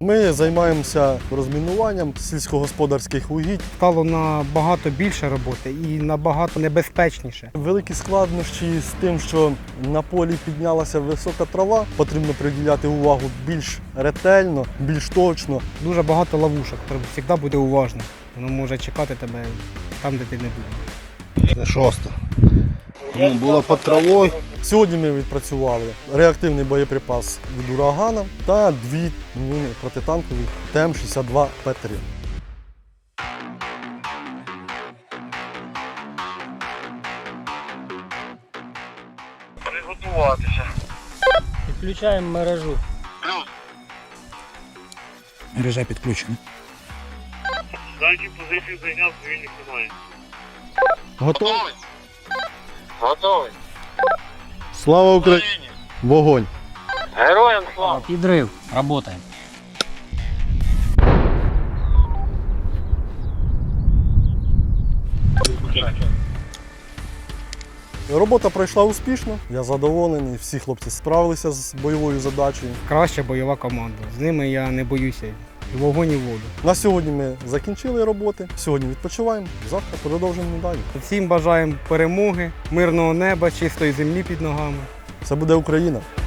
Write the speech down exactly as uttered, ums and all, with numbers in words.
Ми займаємося розмінуванням сільськогосподарських угідь. Стало набагато більше роботи і набагато небезпечніше. Великі складнощі з тим, що на полі піднялася висока трава, потрібно приділяти увагу більш ретельно, більш точно. Дуже багато ловушок, треба завжди бути уважним. Воно може чекати тебе там, де ти не думаєш. Це шосте. Ну, було під травою. Сьогодні ми відпрацювали реактивний боєприпас від урагана та дві міни протитанкові Т М шістдесят два П три. Приготуватися. Підключаємо мережу. Мережа підключена. Задні позиції зайняв, цивільних немає. Готовий? Готовий. Слава Україні! Вогонь! Героям слава! Підрив. Работаємо. Робота пройшла успішно, я задоволений, всі хлопці справилися з бойовою задачею. Краща бойова команда. З ними я не боюся. І вогонь, і воду. На сьогодні ми закінчили роботи, сьогодні відпочиваємо, завтра продовжимо далі. Всім бажаємо перемоги, мирного неба, чистої землі під ногами. Це буде Україна.